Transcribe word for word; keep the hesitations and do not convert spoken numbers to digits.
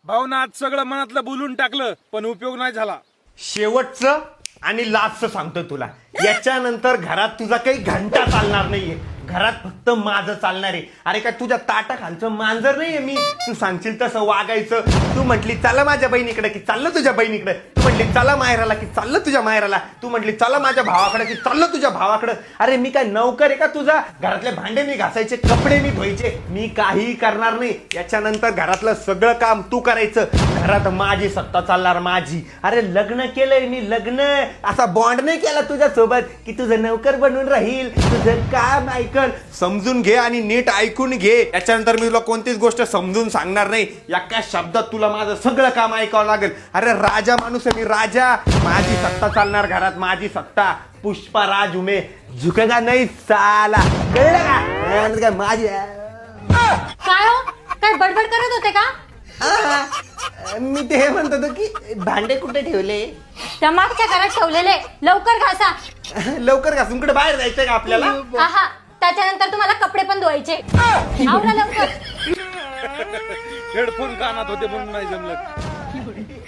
भाऊना आज सगळं मनातलं बोलून टाकलं पण उपयोग नाही झाला. शेवटचं आणि लास्टचं सांगतो तुला, याच्यानंतर घरात तुझा काही घंटा चालणार नाहीये. घरात फक्त माझं चालणार आहे. अरे काय तुझ्या ताटाखालचं मांजर नाहीये मी. तू सांगशील तसं वागायचं. तू म्हटली चला माझ्या बहिणीकडे की चाललं तुझ्या बहिणीकडे. तू म्हटली चला माहेराला की चाललं तुझ्या माहेराला. तू म्हटली चला माझ्या भावाकडे की चाललं तुझ्या भावाकडे. अरे मी काय नौकर आहे का तुझा? घरातले भांडे मी घासायचे, कपडे मी धुवायचे. मी काहीही करणार नाही. याच्यानंतर घरातलं सगळं काम तू करायचं. घरात माझी सत्ता चालणार, माझी. अरे लग्न केलंय मी, लग्न. असा बॉन्ड नाही केला तुझ्या सोबत की तुझं नौकर बनून राहील. तुझं काम ऐकल, समजून घे आणि नीट ऐकून घे. याच्यानंतर मी तुला कोणतीच गोष्ट समजून सांगणार नाही. एका शब्दात तुला माझं सगळं काम ऐकावं लागेल. अरे राजा माणूस आहे मी, राजा. माझी सत्ता चालणार घरात, माझी सत्ता. पुष्पा राज उमे झुकेगा नाही साला. कळलं का? काय माझी काय हो, काय बडबड करत होते का? आ, मी ते म्हणत होतो की भांडे कुठे ठेवले? त्या मागच्या घरात ठेवलेले. लवकर घासा. लवकर घासून कुठे बाहेर जायचंय का आपल्याला? आहा, त्याच्यानंतर तुम्हाला कपडे पण धुवायचे. आवरा लवकर. हेडफोन कानात होते म्हणून नाही जमलं.